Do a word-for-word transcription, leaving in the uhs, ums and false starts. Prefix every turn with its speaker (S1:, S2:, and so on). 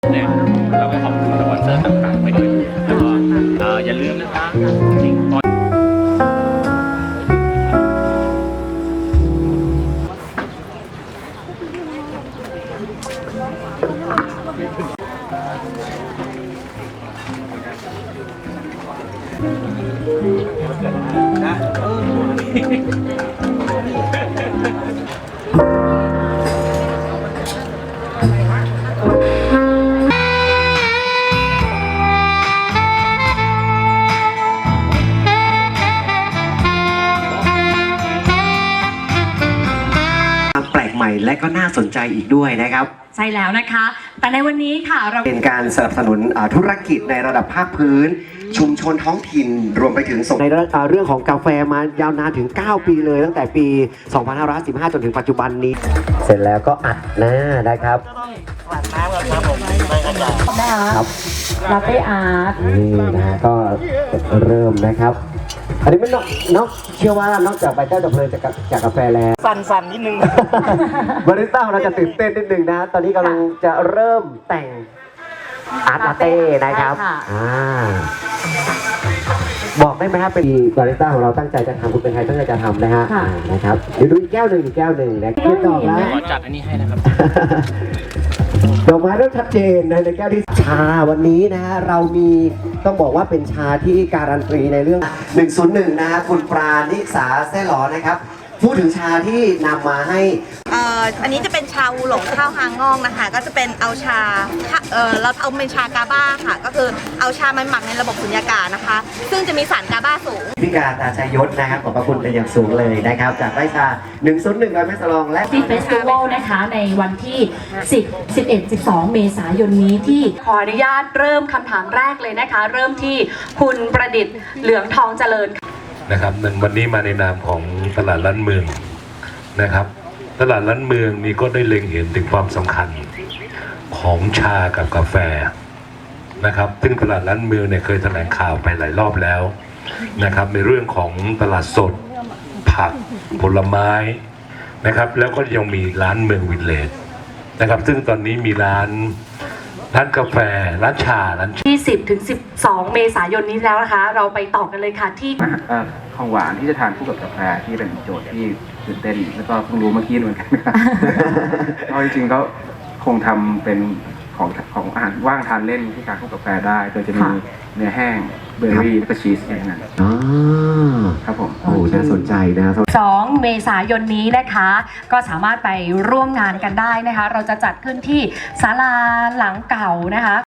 S1: เนี่ยเราก็ขอบคุณสปอนเซอร์ต่างๆไปด้วยแล้วก็เอ่ออย่าลืมนะคะจริงตอนนะเออ
S2: แปลกใหม่และก็น่าสนใจอีกด้วยนะครับ
S3: ใช่แล้วนะคะแต่ในวันนี้ค่ะเรา
S2: เป็นการสนับสนุนธุรกิจในระดับภาคพื้นชุมชนท้องถิ่นรวมไปถึงส่งในเรื่องของกาแฟมายาวนานถึงเก้าปีเลยตั้งแต่ปีสองพันห้าร้อยสิบห้าจนถึงปัจจุบันนี้เสร็จแล้วก็อัดหน้านะครับ
S1: กลั่นน้ำกันครับผมไม่กระจาย
S3: ครับลาเต้อาร์ต
S2: นี่นะก็เริ่มนะครับอันนี้ไม่นอกนอกเชื่อว่านอกจากใบเต้าจะเพลินจากจากกาแฟแล้ว
S1: สั่นๆนิดนึง
S2: บาริสต้าเราจะตื่นเต้นนิดนึงนะตอนนี้กำลังจะเริ่มแต่งอาร์ตลาเต้นะครับอ่าบอกได้ไหมครับเป็นบาริสต้าของเราตั้งใจจะทำคุณเป็นใครตั้งใจจะทำนะฮะนะครับเดี๋ยวดูอีกแก้วหนึ่งอีกแก้วหนึ่งนะคิดต่อแล้ว
S1: ขอจัดอันนี้ให้นะครับ
S2: ดอกไม้ต้องชัดเจนในแก้วที่ชาวันนี้นะฮะเรามีต้องบอกว่าเป็นชาที่การันตีในเรื่องหนึ่งศูนย์หนึ่งนะฮะคุณปราณิสาแซ่หลอนะครับพูดถึงชาที่นำมาให้
S4: เอ่ออันนี้จะเป็นชาวูหลงข้าวฮางองนะคะก็จะเป็นเอาชาเอ่อเราเอาเป็นชากาบ้าค่ะก็คือเอาชามันหมักในระบบสุญญากาศนะคะซึ่งจะมีสารกาบ้าสูง
S2: พิการตาชัยยศนะครับขอบพระคุณเป็นอย่างสูงเลยนะครับจากไร่ชาหนึ่งศูนย์หนึ่งร้อยแม่สลองและ
S3: ที่เฟสติวัลนะคะในวันที่สิบ สิบเอ็ด สิบสองเมษายนนี้ที่ขออนุญาตเริ่มคำถามแรกเลยนะคะเริ่มที่คุณประดิษฐ์เหลืองทองเจริญ
S5: นะครับวันนี้มาในนามของตลาดล้านเมืองนะครับตลาดล้านเมืองนี้ก็ได้เล็งเห็นถึงความสำคัญของชากับกาแฟนะครับซึ่งตลาดล้านเมืองเนี่ยเคยแถลงข่าวไปหลายรอบแล้วนะครับในเรื่องของตลาดสดผักผลไม้นะครับแล้วก็ยังมีร้านเมืองวิลเลจนะครับซึ่งตอนนี้มีร้านร้านกาแฟร้านชาร้าน
S3: ที่สิบถึงสิบสองเมษายนนี้แล้วนะคะเราไปต่อกันเลยค่ะที่
S6: ของหวานที่จะทานคู่กับกาแฟที่เป็นโจทย์ที่ตื่นเต้นแล้วก็เพิ่งรู้เมื่อกี้เหมือนกันเพราะจริงๆก็คงทำเป็นของของอาหารว่างทานเล่นที่ทานคู่กับกาแฟได้โดยจะมีเนื้อแห้งเบอร์รี่และก็ชีสอย่างนั้นครับผม
S2: โอ้น่าสนใจนะ
S3: สองเมษายนนี้นะคะก็สามารถไปร่วมงานกันได้นะคะเราจะจัดขึ้นที่ศาลาหลังเก่านะคะ